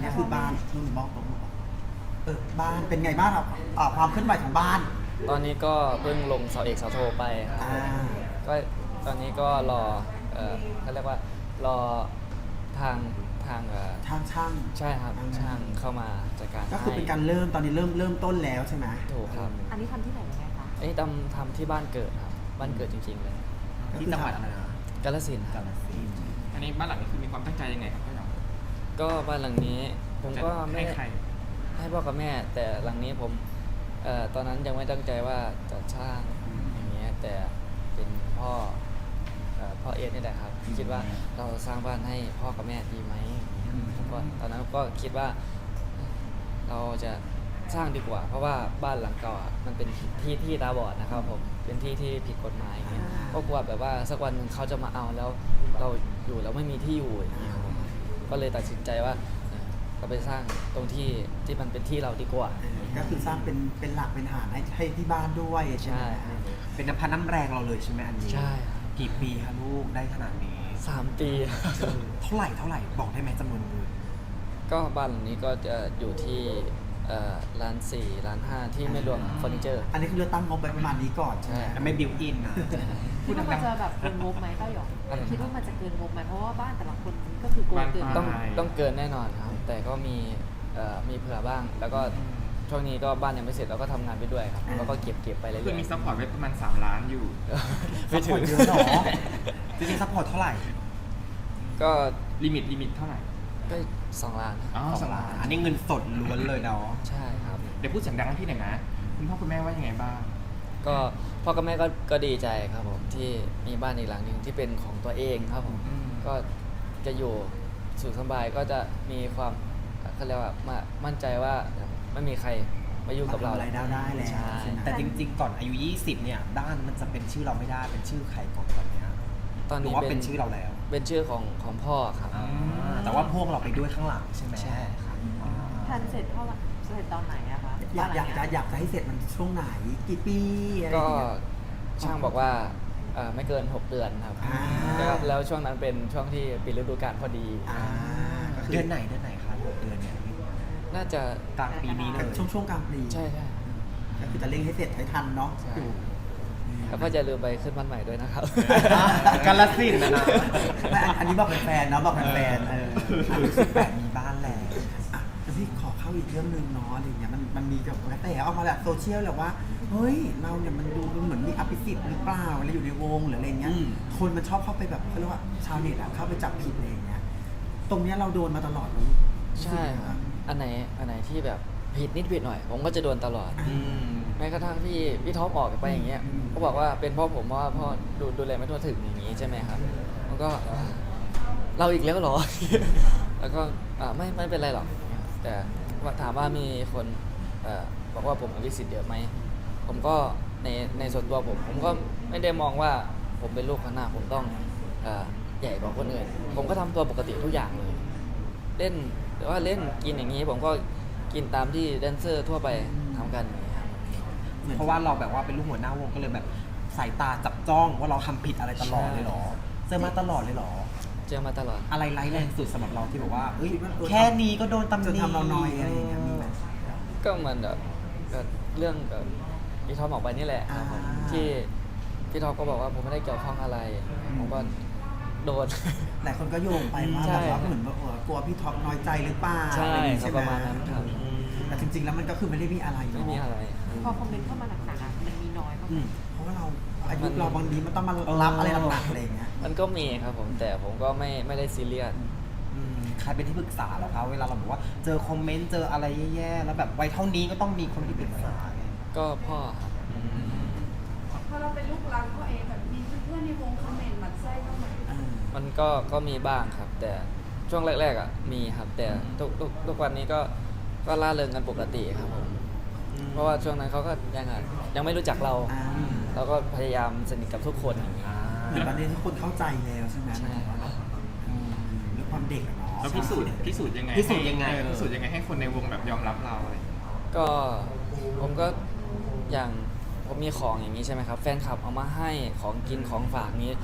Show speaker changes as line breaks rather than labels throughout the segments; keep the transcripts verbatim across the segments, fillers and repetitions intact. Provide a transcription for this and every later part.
นี้คือบ้านนุ่นบอกตรงเออบ้านเป็นไงบ้างครับอ่าความเคลื่อนไหวของบ้าน
ตอนนี้ก็เพิ่งลงเสาเอกเสาโทไปครับ
อ่า
ก็ตอนนี้ก็รอเออเขาเรียกว่ารอทางทางเออ
ทางช่าง
ใช่ครับ
อืม
ช่างเข้ามาจัดการ
ก็คือเป็นการเริ่มตอนนี้เริ่มเริ่มต้นแล้วใช่ไหม
ถูกครับ
อันนี้ทำที่ไหนยังไงคะ
อันนี้ทำทำที่บ้านเกิดครับบ้านเกิดจริงๆเลย
ที่จังหวัดอะไรนะ
กาฬสินธุ์ครับ
อันนี้บ้านหลังนี้คือมีความตั้งใจยังไงครับพี่หยอง
ก็บ้านหลังนี้ผมก็ไม่
ให้ใคร
ให้พ่อกับแม่ แต่หลังนี้ผมเอ่อตอนนั้นยังไม่ตั้งใจว่าจะสร้างอย่างเงี้ยแต่เป็นพ่อเอ่อพ่อเอสนี่แหละครับคิดว่าเราสร้างบ้านให้พ่อกับแม่ดีไหมผมก็ตอนนั้นก็คิดว่าเราจะสร้างดีกว่า เพราะว่าบ้านหลังเก่าอะมันเป็นที่ที่ตาบอดนะครับผมเป็นที่ที่ผิดกฎหมายอย่างเงี้ยก็กลัวแบบว่าสักวันหนึ่งเขาจะมาเอาแล้วเราอยู่แล้วไม่มีที่อยู่อย่างเงี้ยครับผมก็เลยตัดสินใจว่าเอ่อเราไปสร้างตรงที่ที่มันเป็นที่เราดีกว่า
เออก็คือสร้างเป็นเป็นหลักเป็นฐานให้ให้ที่บ้านด้วยใช่ไหม
ใช่
เป็นน้ำพันน้ำแรงเราเลยใช่ไหมอันนี้
ใช่ครับ
กี่ปีคะลูกได้ขนาดนี้
สามปี
เท่าไหร่เท่าไหร่บอกได้ไหมจำนวนเงิน
ก็บ้านหลังนี้ก็จะอยู่ที่เอ่อล้านสี่ล้านห้าที่ไม่รวมเฟอร์นิเจอร์
อันนี้คือเราตั้งงบไปประมาณนี้ก่อนใช่ไหม
ใช่
ไม่บิวอินนะ
คิดว่ามันจะแบบเกินงบไหมเต้าหยอง
อะไรนะ
คิดว่ามันจะเกินงบไหมเพราะว่าบ้านแต่ละคนก็คือโกงเกิน
ต้อง
ใช่
ต้องเกินแน่นอนครับ แต่ก็มีเอ่อมีเผื่อบ้าง แล้วก็ช่วงนี้ก็บ้านยังไม่เสร็จเราก็ทำงานไปด้วยครับแล้วก็เก็บเก็บไปเรื่อยๆ
คือมีซัพพอร์ตไว้ประมาณสามล้านอยู่
ไม่
ซัพพ
ถึ
อร์
ง
ตเยอะเนาะ
จริงๆซัพพอร์ตเท่าไหร่
ก็
ลิมิตลิมิตเท่าไหร่
ก็สองล้าน
อ๋อ
สองล้านอันนี้เงินสดล้วนเลยเนาะ
ใช่ครับ
เดี๋ยวพูดเสียงดังให้พี่หน่อยนะ คุณพ่อคุณแม่ว่ายังไงบ้าง
ก็พ่อกับแม่ก็ก็ดีใจครับผมที่มีบ้านอีกหลังหนึ่งที่เป็นของตัวเองครับผม
อืม
ก็จะอยู่สุขสบายก็จะมีความเขาเรียกว่ามามั่นใจว่าไม่มีใครมายุ่งกับเรา
ทำอะไรได้ได้แล้ว
ใช่
ใช่ไหม
แต่จริงๆ ก่อนอายุ ยี่สิบ เนี่ยบ้านมันจะเป็นชื่อเราไม่ได้เป็นชื่อใครก่อนตอนเนี้ย
ตอน
หรื
นี้
อว่าเป็นชื่อเราแล้ว
เป็นชื่อของของพ่อครับ
อ่าแต่ว่าพวกเราไปด้วยข้างหลังใช่ไหม
ใช่ครับ
อ่า
แพลนเสร็จเท่าไหร่เสร็จตอนไหนอะคะ
อยากอยากจะอยากจะให้เสร็จมันช่วงไหนกี่ปีอะไรอ
ก็
ย่างเงี้ย
ช่างบอกว่าเอ่อไม่เกิน หก เดือนครับ
อ่า
แล้วแล้วช่วงนั้นเป็นช่วงที่ปิดฤดูกาลพอดี
อ่าก็คื
เดือนไหนเดือนไหนคะหกเดือนเนี่ย
น่าจะ
กลางปีนี้เลย
ช่วงช่วงกลางปี
ใช่ใช่
ก็คือจะเร่งให้เสร็จให้ทันเนาะ
ใช่
อยู่
แล้วก็จะลืมไปขึ้นบ้านใหม่ด้วยนะครับ
กาลสินธุ์นะนะ
ไม่อันอันนี้บอกแฟนๆเนาะบอกแฟนๆเออ
แบบมีบ้านแล้ว
อ่ะแต่พี่ขอเข้าอีกเรื่องหนึ่งเนาะอะไรเงี้ยมันมันมีกับกระแสออกมาแบบโซเชียลแหละว่าเฮ้ยเราเนี่ยมันดูเหมือนมีอภิสิทธิ์หรือเปล่าอะไรอยู่ในวงหรืออะไรเงี้ย
อืม
คนมันชอบเข้าไปแบบเขาเรียกว่าชาวเน็ตอะเข้าไปจับผิดอะไรอย่างเงี้ยตรงเนี้ยเราโดนมาตลอดเลย
ใช่ครับ อันไหนอันไหนที่แบบผิดนิดผิดหน่อย ผมก็จะโดนตลอด
อืม
แม้กระทั่งที่พี่ท็อปออกไปอย่างเงี้ยก็บอกว่าเป็นเพ่อผมเพราะว่าพ่อดูดูแลไม่ทั่วถึงอย่างงี้ใช่ไหมครับมันก็เอ่อเราอีกแล้วเหรอ แล้วก็อ่าไม่ไม่เป็นไรหรอก แต่ว่าถามว่ามีคนเอ่อบอกว่าผมอภิสิทธิ์เยอะไหมผมก็ในในส่วนตัวผม ผมก็ไม่ได้มองว่าผมเป็นลูกคนหน้าผมต้องเอ่อใหญ่กว่าคนอื่น ผมก็ทำตัวปกติทุกอย่างเลย เล่นหรือว่าเล่นกินอย่างนี้ ผมก็กินตามที่แดนเซอร์ทั่วไปทำกันอย่างนี้ครับ
เพราะว่าเราแบบว่าเป็นลูกหัวหน้าวงก็เลยแบบสายตาจับจ้องว่าเราทำผิดอะไรตลอดเลยเหรอเจอมาตลอดเลยเหรอ
เจอมาตลอด
อะไรร้ายแรงสุดสำหรับเราที่แบบว่าเอ้ย
คิดว่าเออ
แค่นี้ก็โดนตำห
จน
นิ
ทำเราน้อยอะไรอย่างเงี้ยมีไหม
ก็เหมันแบบก็เรื่องแบบพี่ท็อปออกไปนี่แหละครับผม
อ่า
ที่พี่ท็อปก็บอกว่าผมไม่ได้เกี่ยวข้องอะไร ผมก็โดน
หลายคนก็โยงไปว่า
ใช่
แบบว่าเหมือนแบบเออกลัวพี่ท็อปน้อยใจหรือเปล่า
ใช่
อะไรอย่างงี้
ครับ
ไห
ประมาณนั้นครับ
แต่จริงๆแล้วมันก็คือไม่ได้มีอะไรเน
ไม่มีอะไร
พอคอมเมนต์เข้ามาหนักๆอะมันมีน้อยมาก
อืม
เพราะว่าเราอายุ
มัน
เราบางทีมันต้องมา
เออ
รับอะไรหนักๆอะไรอย่างเงี้ย
มันก็มีครับผมแต่ผมก็ไม่ไม่ได้ซีเรียส
อืมใครเป็นที่ปรึกษาเหรอคะเวลาเราบอกว่าเจอคอมเมนต์เจออะไรแย่ๆแล้วแบบวัยเท่านี้ก็ต้องมีคนที่ปรึกษาไง
ก็พ่อครับ
พอเราเป็นลูกรักพ่อเองแบบมีเพื่อนๆในวงคอมเมนต์หมันไส้บ้างไหม
มันก็ก็มีบ้างครับ แต่ช่วงแรกๆอ่ะมีครับ แต่ทุกทุกทุกวันนี้ก็ก็ล่าเริงกันปกติครับผมเพราะว่าช่วงนั้นเขาก็ยังอ่ะยังไม่รู้จักเรา
อ่า
เราก็พยายามสนิทกับทุกคนอย่างนี้
อ่า
เหมือนตอนนี้ทุกคนเข้าใจแล้วใช่ไหม
ใช่
อืมเรื่องความเด็กอะเนาะ
แล้วพิสูจน์พิสูจน์ยังไง
พิสูจน์ยังไง
ให้เออพิสูจน์ยังไงให้คนในวงแบบยอมรับเราอะไรอย่างเงี้ย
ก็ผมก็อย่างผมมีของอย่างนี้ใช่ไหมครับ แฟนคลับเอามาให้ของกินของฝากนี้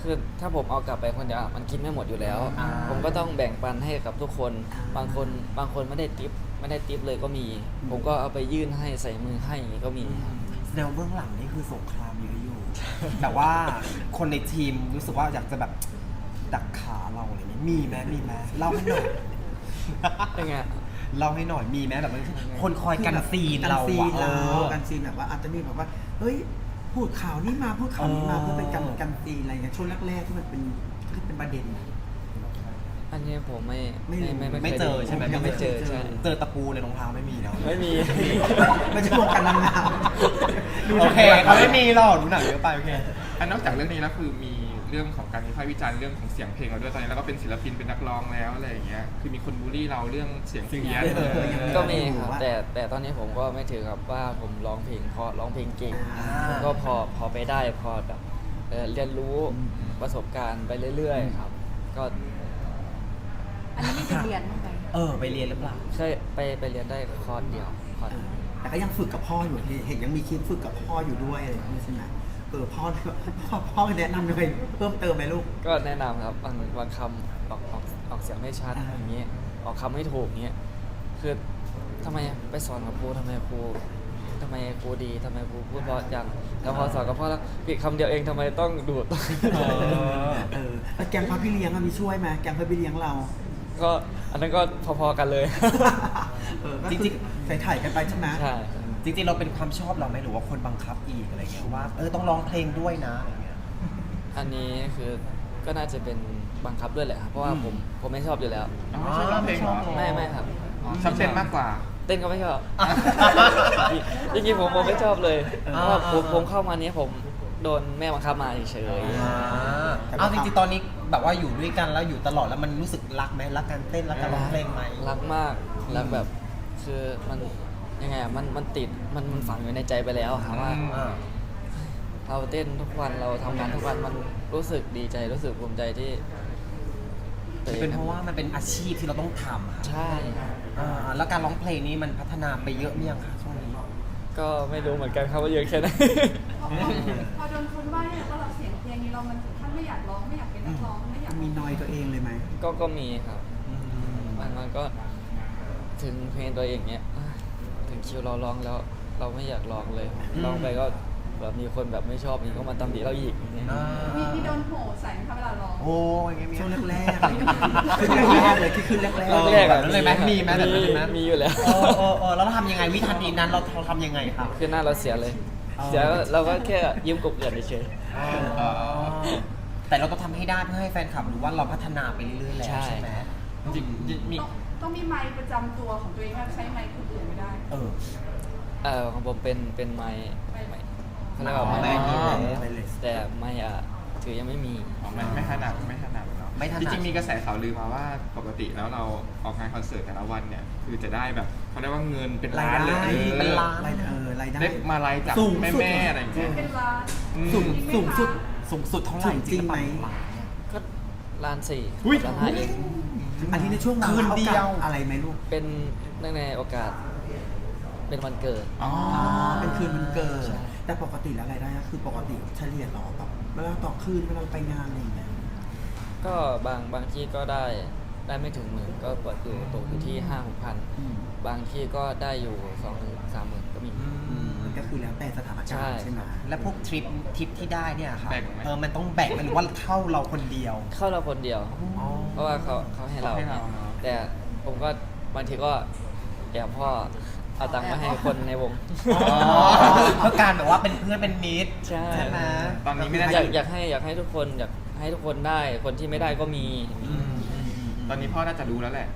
คือถ้าผมเอากลับไปคนเดียวอะมันกินไม่หมดอยู่แล้ว
อ่า
ผมก็ต้องแบ่งปันให้กับทุกคน บางคนบางคนไม่ได้ติปไม่ได้ติปเลยก็มี ผมก็เอาไปยื่นให้ใส่มือให้อย่างงี้ก็มี
แสดงว่าเบื้องหลังนี่คือสงครามเยอะอยู่ แต่ว่าคนในทีมรู้สึกว่าอยากจะแบบดักขาเราอะไรเงี้ยมีไหมมีไหมเล่าให้หน่อย
ยังไง
เล่าให้หน่อยมีไหมแบบว่าคนคอยกันซีนเรา
กันซี
อะ
น
เอ
เรา
อ
กันซีนแบบว่าอาจจะมีแบบว่าเฮ้ยพูดข่าวนี้มาพูดข่าวนี้มา
เออ
เพื่อเป็นกันกันซีนอะไรเงี้ยช่วงแรกๆที่มันเป็นที่เป็นประเด็นอะ
อันนี้ผมไม่
ไม่รู้
ไม่
ไม่
คย
เจอ
ดู
ใช่ไหม
ยังไม่เจอใช่
เจอตะปูในรองเท้าไม่มีเนาะ
ไม่มี
ไม่ใช่วงการนางงาม
โอเคเขาไม่มีหรอกดูหนังเยอะไปโอเค
อันนอกจากเรื่องนี้แล้วคือมีเรื่องของการวิพากษ์วิจารณ์เรื่องของเสียงเพลงเราด้วยตอนนี้เราก็เป็นศิลปินเป็นนักร้องแล้วอะไรอย่างเงี้ยคือมีคนบูลลี่เราเรื่องเสียงเพี้ยน
เออยัง
ก็มีครับ
ว่า
แต่แต่ตอนนี้ผมก็ไม่ถือครับว่าผมร้องเพลงเพราะร้องเพลงเก่ง
อ่า
ผมก็พอพอไปได้พอแบบเอ่อเรียนรู้ประสบการณ์ไปเรื่อยๆครับ ก็
อันนี้มีไปเรียนบ้างไหม
เออไปเรียนหรือเปล่า
เคยไปไปเรียนได้คอร์สเดียวคอร์ส
เออแต่ก็ยังฝึกกับพ่ออยู่เห็นยังมีคลิปฝึกกับพ่ออยู่ด้วยอะไรอย่างเงี้ยใช่ไหมเออพ่อพ่อพ่อแนะนำเลยเพิ่มเติมไหมลูก
ก็แนะนำครับบางบางคำออกออกออกเสียงไม่ชัด
อ่า
อย่างเงี้ยออกคำไม่ถูกเงี้ยคือทำไมไปสอนกับครูทำไมครูทำไมครูดีทำไมครูพูดเพราะอย่างแต่พอสอนกับพ่อแล้วผิดคำเดียวเองทำไมต้องดูด
เออ
เออแล้วแกงพระพี่เลี้ยงอะมีช่วยไหมแกงพระพี่เลี้ยงเรา
ก็อันนั้นก็พอๆกันเลย
เออก็
จ
จ
ริ
ริ
ง
ง
ๆ
ๆใส่ถ่ายกันไปใช่ไหม
ใช่
จริงๆเราเป็นความชอบเราไหมหรือว่าคนบังคับอีกอะไรเงี้ยว่าเออต้องร้องเพลงด้วยนะอะไรเงี้ย
อันนี้คือก็น่าจะเป็นบังคับด้วยแหละครับเพราะว่าผมผมไม่ชอบอยู่แล้ว
อ๋อไม่ชอบร้องเพลงเหรอ
ไม่ไม่ครับ
ชอบเต้นมากกว่า
เต้นก็ไม่ชอบ จริงๆผมผมไม่ชอบเลยเพราะว่าผมผมเข้ามาเนี้ยผมโดนแม่บังคับมาเฉย
อ่าเอาจริงๆตอนนี้แบบว่าอยู่ด้วยกันแล้วอยู่ตลอดแล้วมันรู้สึกรักไหมรักการเต้นรักการร้องเพลงไหม
ๆรักมากรักแบบคือมันยังไงอะมันมันติดมันมันฝังอยู่ในใจไปแล้วครับว่า
อืม
อ่า
เราเต้นทุกวันเราทำงานทุกวันมันรู้สึกดีใจรู้สึกภูมิใจที่ตัวอง
เป็นเพราะว่ามันเป็นอาชีพที่เราต้องทำอะ
ใช่
อ่าแล้วการร้องเพลงนี้มันพัฒนาไปเยอะมั้ยยังคะช่วงนี้
ก็ไม่รู้เหมือนกันครับว่าเยอะแค่ไหน
พอพอโดนคนว่าเนี่ยว่าเราเสียงเพลงนี้เรามันถึงขั้นไม่อยากร้องไม่อยากเป็นนักร้องไม่อยาก
มีนอยตัวเองเลยไหม
ก็ก็มีครับมันมันก็ถึงเพลงตัวเองเนี้ยอ่ะถึงคิวเราร้องแล้ว เราไม่อยากร้องเลยร้องไปก็แบบมีคนแบบไม่ชอบนี่ก็มาตำหนิเราอีกอย่างเงี้ย
อ่า
มีมีโดนโหใส่ไหมคะเวลาร้อง
โอ้ยอย่างเงี้ยมี
ช่วงแรกๆอะไรอย่างเงี้ยขึ้นแรกๆเลยที่ขึ้นแรก
เออ
แรกๆ
แบ
อะ
บนั้นเลยไหมมีไหมแบบนั้นเลยไหม
มีอยู่แล้ว
เออเออเออแล้วเราทำยังไงวิธีนั้นเราเราทำยังไงครับ
คือหน้าเราเสียเลย
อ๋อ
เสียก็เราก็แค่ยิ้มกบเกลื่อนเฉย
อ๋อแต่เราต้องทำให้ได้เพื่อให้แฟนคลับรู้ว่าเราพัฒนาไปเรื่อยๆแล้วใช่ไหม
จริงๆมี
ต้องต้องมีไมค์ประจำตัวของตัวเองครับใช้ไมค์คนอื่นไม่ได้
เออ
ๆเอ่อของผมเป็นเป็นไม้ไม้เขาเรียกว่า
อ๋อ
ไม้
ไมค์
ไม้
ๆไปเลย
แต่ไม้อะถือยังไม่มี
อ๋อไม่ไม่ถนัดไม่ถนัดเนาะ
ไม่ถนัด
จริงๆมีกระแสข่าวลือมาว่าปกติแล้วเราออกงานคอนเสิร์ตแต่ละวันเนี่ยคือจะได้แบบเขาเรียกว่าเงินเป็นล้านเลย
รายได้
ออ
เป็นล้าน
รายได้เออรายได้
ได้มาไลฟ์จาก
สูงสุด
แม่ๆอะไรอย่างเงี้ย
เป็นร้าน
อืม
สูงสูงสุด
สูงสุดเท่าไหร่
สูงจริงไหม
ก็ล้านสี่
อุ๊ย
ล้านห้าเอง
อันนี้ในช่วง
คืนเดียว
โอกาสอะไรไหมลูก
เป็นเนื่องในโอกาส เป็นวันเกิด
อ๋อ
อ๋อเป็นคืนมันเกิด
ใช่
แต่ปกติแล้วรายได้ก็คือปกติเฉลี่ยต่อแบบเวลาต่อคืนเวลาไปงานอะไรอย่างเงี้ย
ก็บางบางที่ก็ได้ได้ไม่ถึงหมื่นก็เปิดอยู่ตกอยู่ที่ห้าหกพัน
อืม
บางที่ก็ได้อยู่สองหมื่นสามหมื่นก็มี
อืมมันก็คือแล้วแต่สถานการณ์
ใช่
ใช่ไหม
และพวกทริปทริปที่ได้เนี่ยค่ะ
แบ่งไหม
เออมันต้องแบ่งไหมหรือว่าเข้าเราคนเดียว
เข้าเราคนเดียว
อ๋อ
เพราะว่าเขาเขาให้เรา
เขาให้เราเนอะ
แต่ผมก็บางทีก็แอบพ่อเอาตังค์มาให้คนในวง
อ๋อเพื่อการแบบว่าเป็นเพื่อนเป็นมิตร
ใช่
ใช่ไหม
ตอนนี้ไม่ได้
อยากอยากให้อยากให้ทุกคนอยากให้ทุกคนได้คนที่ไม่ได้ก็มี
อืมอืมอืม
ตอนนี้พ่อน่าจะรู้แล้วแหละ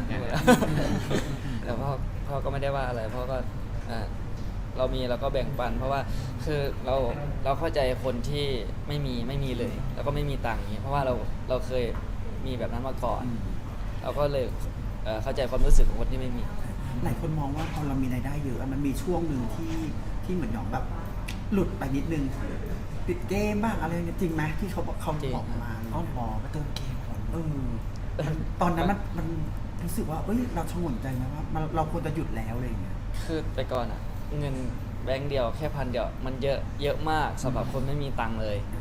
แต่พ่อพ่อก็ไม่ได้ว่าอะไรพ่อก็อ่าเรามีเราก็แบ่งปัน เพราะว่าคือเราเราเข้าใจคนที่ไม่มีไม่มีเลย แล้วก็ไม่มีตังค์อย่างนี้เพราะว่าเราเราเคยมีแบบนั้นมาก่อน
อืม
เราก็เลยเอ่อเข้าใจความรู้สึกของคนที่ไม่มี
หลายคนมองว่าพอเรามีรายได้เยอะอะมันมีช่วงหนึ่งที่ที่เหมือนหยองแบบ หลุดไปนิดนึงติดเกมบ้างอะไรเงี้ยจริงไหมที่เขาบอกเขา
จริง
บอกมา
อ๋อหมอมาเติมเกมก่อน
เออตอนนั้นมันมันรู้สึกว่าเอ้ยเราชงนใจไหมว่ามันเราควรจะหยุดแล้วอะไรอย่างเงี้ย
คือแต่ก่อนอะเงินแบงค์เดียวแค่พันเดียวมันเยอะเยอะมากสำหรับคนไม่มีตังค์เลย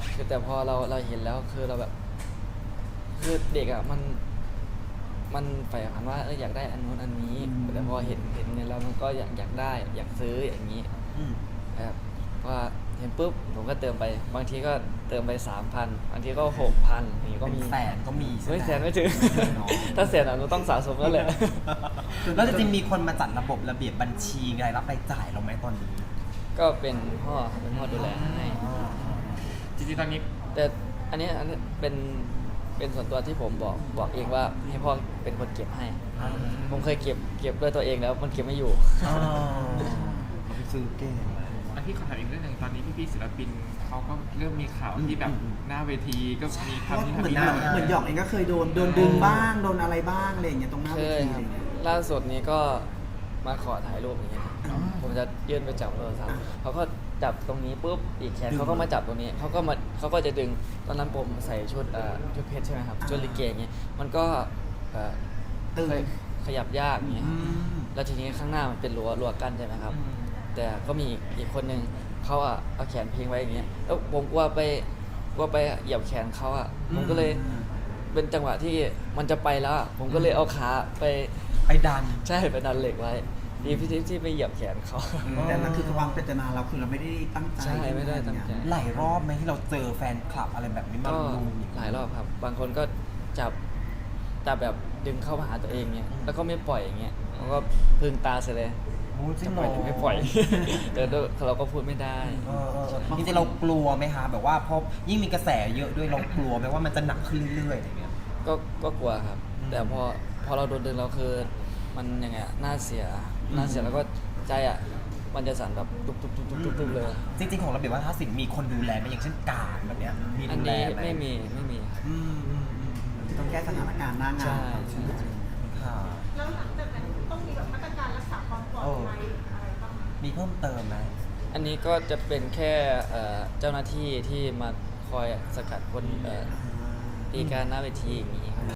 คือแต่พอเราเราเห็นแล้วคือเราแบบ คือเด็กอ่ะมันมันใฝ่ฝันว่าเอออยากได้อันนู้นอันนี้
อืม
แต่พอเห็นเห็นเงินแล้วมันก็อยากอยากได้อยากซื้ออย่างนี้
อืม
แบบว่าเห็นปุ๊บผมก็เติมไปบางทีก็เติมไปสามพันบางทีก็หกพันอย่างนี้ก็
เป็น
มี
แสนก็มีใช่ไหม
ไม่แสนไม่ถึง
เนาะ
ถ้าแสนอ่ะเราต้องสะสมแล้วแหละ
แล้วจริงๆมีคนมาจัดระบบระเบียบบัญชีรายรับรายจ่ายเราไหมตอนนี้
ก็เป็นพ่อเป็นพ่อดูแลให้
จริงๆตอนนี้
แต่อันนี้อันนี้เป็นเป็นส่วนตัวที่ผมบอกบอกเองว่าให้พ่อเป็นคนเก็บให้
อ่า
ผมเคยเก็บเก็บด้วยตัวเองแล้วมันเก็บไม่อยู่
อ๋อเราไปซื้อเก่ง
อันที่ขอถามอีกเรื่องหนึ่งตอนนี้พี่ๆศิลปินเขาก็เริ่มมีข่าวที่แบบ
อืม
หน้าเวทีก็มีทำที่
เหมือน
ทำ
เหมือน
นี่
เหมือนหยอกเองก็เคยโดนโดนดึงบ้างโดนอะไรบ้างอะไรอย่างเงี้ยตรงหน้า
เค
เวย ที
ค
อะ
รับ
ไรอย่างเงี้ย
ล่าสุดนี้ก็มาขอถ่ายรูปอย่างเงี้ยผมจะยื่นไปจับโทรศัพท์เขาก็จับตรงนี้ปุ๊บอีกแขนเขาก็มาจับตรงนี้เขาก็มาเขาก็จะดึงตอนนั้นผมใส่ชุดเอ่อชุดเพชรใช่ไหมครับชุดลิเกอย่างเงี้ยมันก็เอ่อ
ตึง
ขยขยับยากอย่างเงี้ย
อืม
แล้วทีนี้ข้างหน้ามันเป็นรั้วรั้วกั้นใช่ไหมครับ
อืม
แต่ก็มีอีกอีกคนนึงเขาอ่ะเอาแขนพิงไว้อย่างเงี้ยแล้วผมกลัวไปกลัวไปเหยียบแขนเขาอ่ะผมก็เลยเป็นจังหวะที่มันจะไปแล้วอะผมก็เลยเอาขาไป
ไปดัน
ใช่ไปดันเหล็กไว้ดีพี่ทิพย์ที่ไปเหยียบแขนเขา
แต่นั่นคือความเจตนาเราคือเราไม่ได้ตั้งใจ
ใช่ไม่ได้ตั้งใจ
หลายรอบไหมที่เราเจอแฟนคลับอะไรแบบนี้มา
ก็
ลุม
หลายรอบครับ บางคนก็จับจับแบบดึงเข้ามาหาตัวเองเงี้ยแล้วก็ไม่ปล่อยอย่างเงี้ยเขาก็พึงตาเสียเลย
โอ้จริ
จะ
ง
ป
เหร
ล่อย
อ
หรือไม่ปล่อย แต่ด้วยเราก็พูดไม่ได้
เออเออเออจริงๆเรากลัวไหมคะแบบว่าพอยิ่งมีกระแสเยอะด้วยเรากลัวไหมว่ามันจะหนักขึ้นเรื่อยๆอะไรเงี้ย
ก็ก็กลัวครับ
อืม
แต่พอพอเราโดนดึงเราคือมันยังไงอะหน้าเสียหน้าเสียแล้วก็ใจอ่ะมันจะสั่นแบบตุบตุบตุบตุบตุบตุบเลย
จริงๆของระเบียบวัฒนศิลป์มีคนดูแลไหมอย่างเช่นการแบบเนี้ยมี
อัน
ดูแล
นี้
ไหม
ไม่มีไม่มีครับ
อืมอืมอืมอืม
ต้องแก้สถานการณ์หน้างาน
ใช่ใช่
ค่ะ
แล้วหลังจากนั้นต้องมีแบบมาตรการรักษาความปลอดภัยอะไรบ้างไหม
มีเพิ่มเติมไหม
อันนี้ก็จะเป็นแค่เอ่อเจ้าหน้าที่ที่มาคอยสกัดคนเอ่อตีการหน้าเวทีอย่างนี้ครับ